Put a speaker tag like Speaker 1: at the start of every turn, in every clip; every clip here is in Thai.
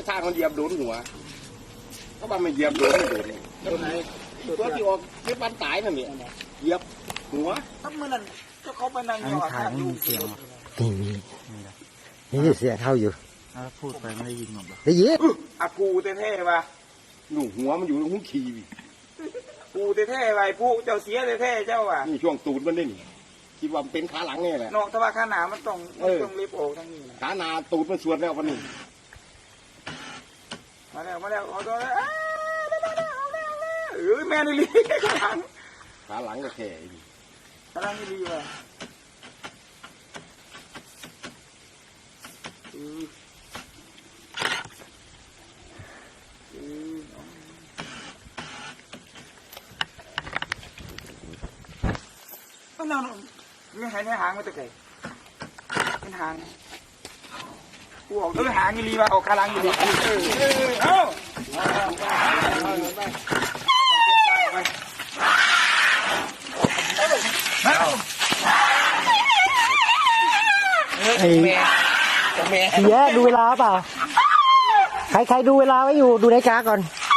Speaker 1: ทางมันเหยียบโดนหัวก็ว่ามันเหยียบโดนไม่โดนตัวไหนตัวที่ออกที่บ้านตายนั่นเนี่ยเหยียบหัว
Speaker 2: ถ้าเมื่อนั้นก็เขาไปนั่งอยู่ถ่ายไม่มีเสียง
Speaker 3: นี่เสียเท่าอยู่
Speaker 2: พูดไปไม่ได้ยินหรอก
Speaker 3: ได้ยิน
Speaker 1: อากูเท่ๆว่ะหนูหัวมันอยู่ตรงหูขี่กูเท่ๆไปผู้เจ้าเสียเท่ๆเจ้าอ่ะนี่ช่วงตูดมันนี่คิดว่ามันเป็นขาหลังนี่แหละ
Speaker 2: นอกถ้าว่าขาหนามันต้องรีบโอกทั้งนี้
Speaker 1: ขาหน้าตูดมันสวนแล้ววันนี้
Speaker 2: มาแล้วเอาตัวแล้วแม่นี่ลีขาหลัง
Speaker 1: ขาหลังก็แค่
Speaker 2: ขาหลังนี่ลีว่ะนั่นไม่หายในหางไม่ตะไคร้เป็นหางกูออกด้วยหางอีลีว่ะออกขาหลังอีลีเอ้า
Speaker 3: ไอ้เสียดูเวลาเปล่าใครดูเวลาไว้อยู่ดูนาฬิกาก่อน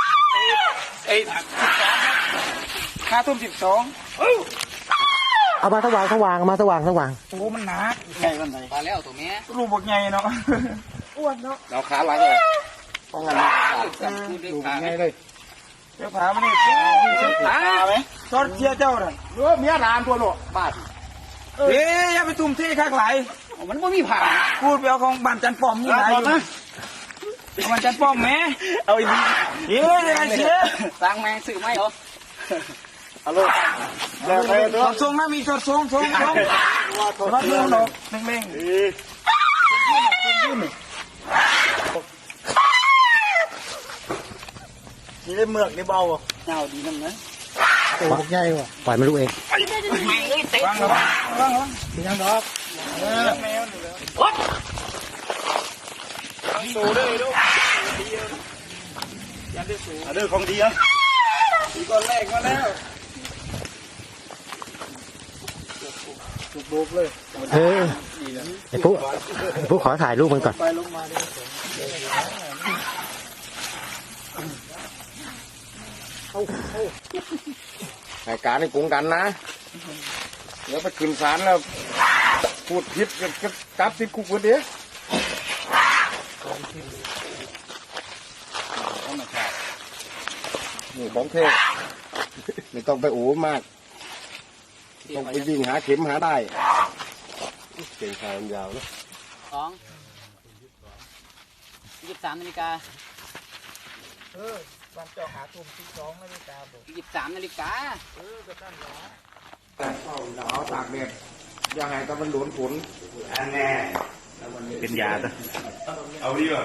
Speaker 2: 5:12
Speaker 3: เอามาสว่างมาสว่าง
Speaker 2: โอ้มันหนาใหญ่มันไหน
Speaker 4: มาแล้วตัวแม่
Speaker 2: รูปบกใหญ่เนาะอ้วนเนาะ
Speaker 1: เราขาหลังเลยป้องกันนะ
Speaker 4: พูดด้วย
Speaker 1: ดู
Speaker 4: ขา
Speaker 1: ง่ายเลย
Speaker 2: เจ้าขามันนี่ขาไหมซอสเชียเจ้าน่ะ
Speaker 1: เมียรามตัวโลบ้า
Speaker 2: อย่าไปตุ่มเท่ข้างไหล
Speaker 4: มันไม่มีผ่า
Speaker 2: พูดไปเอาของบ้านจันป้อมนี่ไหนอยู่บ้านจันป้อมแม่
Speaker 1: เอาอีกที
Speaker 2: ยังไงเชีย
Speaker 4: สร้างแมงสื่อไม่เหรอ
Speaker 1: ฮัลโหลแล้วไปตัว
Speaker 2: ทรงนะมีทรงรับเรื่องดอกเร่งนี่ได้เมือกได้เบาอ่ะ
Speaker 4: เงาดีนั่นนะ
Speaker 3: โอ้ใหญ่ว่ะปล่อยมันลูกเอง
Speaker 2: วางยังดอกแมวนี่เลยสูได้ดูยันได้สู
Speaker 1: เด้อของดีนะ
Speaker 2: อีกก้อนแรกมาแล้วบุกเลย
Speaker 3: ไอ้ผู้ขอถ่ายรูปมันก่อน
Speaker 2: ไปลงมาเลย
Speaker 1: รายการในกรุงกันนะเดี๋ยวไปขึ้นศาลแล้วพูดผิดก็จับติดคุกคนเดียวนี่ของเทพไม่ต้องไปโอ้มากต้องไปวิ่งหาเข็มหาได้เก่งขายยาวนะ
Speaker 4: 23 นาฬิกา
Speaker 2: บ้านเจ้าหาทุ่ม12 นาฬิกาบอก
Speaker 4: 23 นาฬิกา
Speaker 2: ก็ตั้งหรอ
Speaker 1: เอาตากแดดอย่าให้ตะมันโดนฝนเป็นยาจ้ะเอาดีกว่า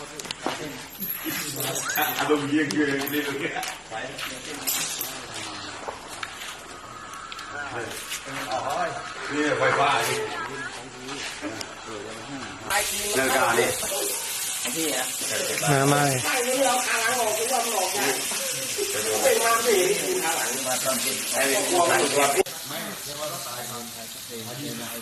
Speaker 1: อารมณ์เยี่ยงเลยนี่เลยนี่ไฟฟ้าเลิกการดิ
Speaker 3: มาเลย